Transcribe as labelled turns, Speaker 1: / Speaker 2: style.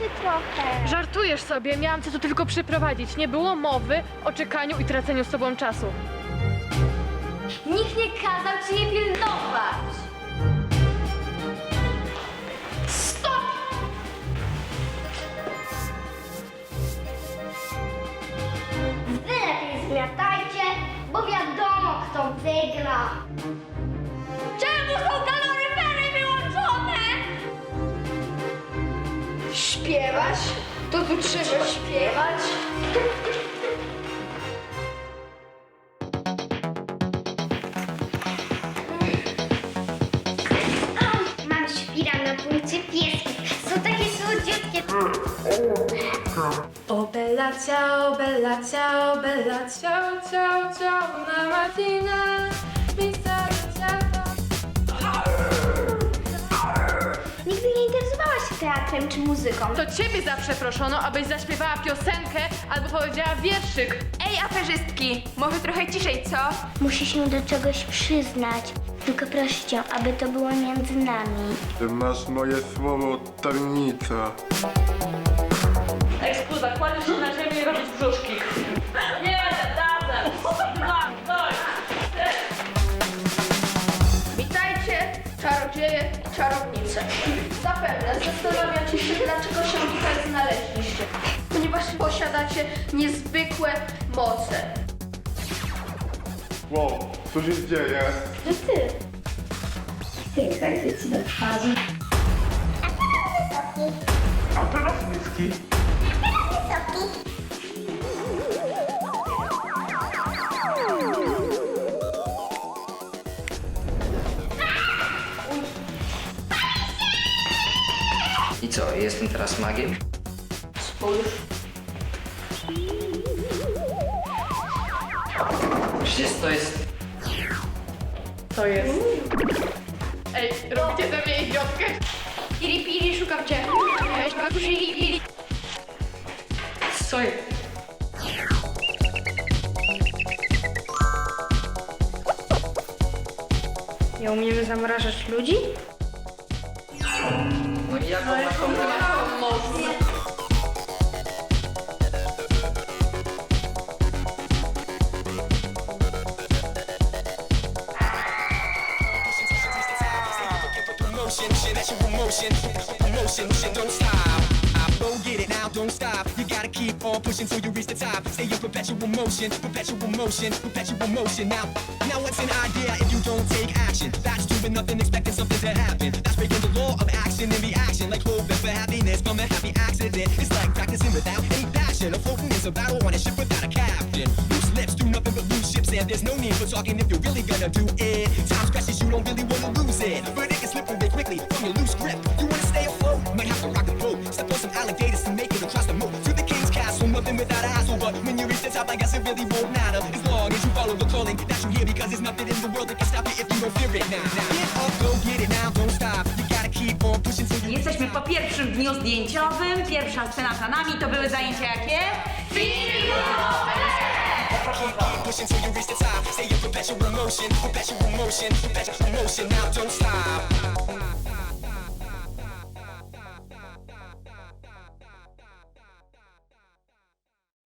Speaker 1: się trochę.
Speaker 2: Żartujesz sobie, miałam cię tu tylko przyprowadzić. Nie było mowy o czekaniu i traceniu z tobą czasu.
Speaker 1: Nikt nie kazał ci jej pilnować. Stop! Wy lepiej zmiatajcie, bo wiadomo, kto wygra. Czemu są kaloryfery wyłączone?
Speaker 3: Śpiewać? To tu trzeba śpiewać.
Speaker 1: Mam świra na punkcie piesków. Są takie słodziutkie.
Speaker 2: O bella ciao, ciao, ciao, ciao, una mattina mi saluta.
Speaker 1: Nigdy nie interesowałaś się teatrem czy muzyką.
Speaker 2: To ciebie zawsze proszono, abyś zaśpiewała piosenkę albo powiedziała wierszyk.
Speaker 3: Ej, aferzystki, może trochę ciszej, co?
Speaker 1: Musi się do czegoś przyznać. Tylko proszę cię, aby to było między nami.
Speaker 4: Ty masz moje słowo, tajemnica.
Speaker 5: Ekskuza, kładziesz się na ziemię i robić brzuszki. Nie, razem. Dwa, doj.
Speaker 3: Witajcie, czarodzieje i czarownice. Zapewne zastanawiacie się, dlaczego się tutaj znaleźliście. Ponieważ posiadacie niezwykłe moce.
Speaker 4: Wow, co się dzieje? A teraz niski.
Speaker 6: I co, jestem teraz magiem?
Speaker 3: Spójrz.
Speaker 6: Przecież to jest...
Speaker 2: To jest. Ej, robicie ze mnie idiotkę?
Speaker 3: Piri, piri, szukam cię. Weź, babuś, piri, piri.
Speaker 6: Co jest?
Speaker 3: Nie umiemy zamrażać ludzi?
Speaker 6: No i jak ona komunikuje?
Speaker 7: Emotion, don't stop. Go get it now, don't stop. You gotta keep on pushing till you reach the top. Stay in perpetual motion, perpetual motion, perpetual motion. Now what's an idea if you don't take action? That's doing nothing, expecting something to happen. That's breaking the law of action and reaction. Like hoping for happiness from a happy accident. It's like practicing without any passion. A floating is a battle on a ship without a captain. Loose lips do nothing but lose ships, and there's no need for talking if you're really gonna do it. Time's precious, you don't really wanna lose it, but it can slip away quickly from your loose grip. You wanna stay afloat, might have to rock the boat. Step on some alligators to make it across the moat to the king's castle. Nothing without a hassle, but when you reach the top, I guess it really won't matter as long as you follow the calling that you hear. Because there's nothing in the world that can stop you if you don't fear it. Now, get up, go get it now, don't stop. You gotta keep on pushing till you.
Speaker 5: Jesteśmy po pierwszym dniu zdjęciowym. Pierwsza scena za nami. To były zajęcia jakie?
Speaker 7: Pushing till you reach the top. Stay in perpetual motion, perpetual motion, perpetual motion. Now don't stop.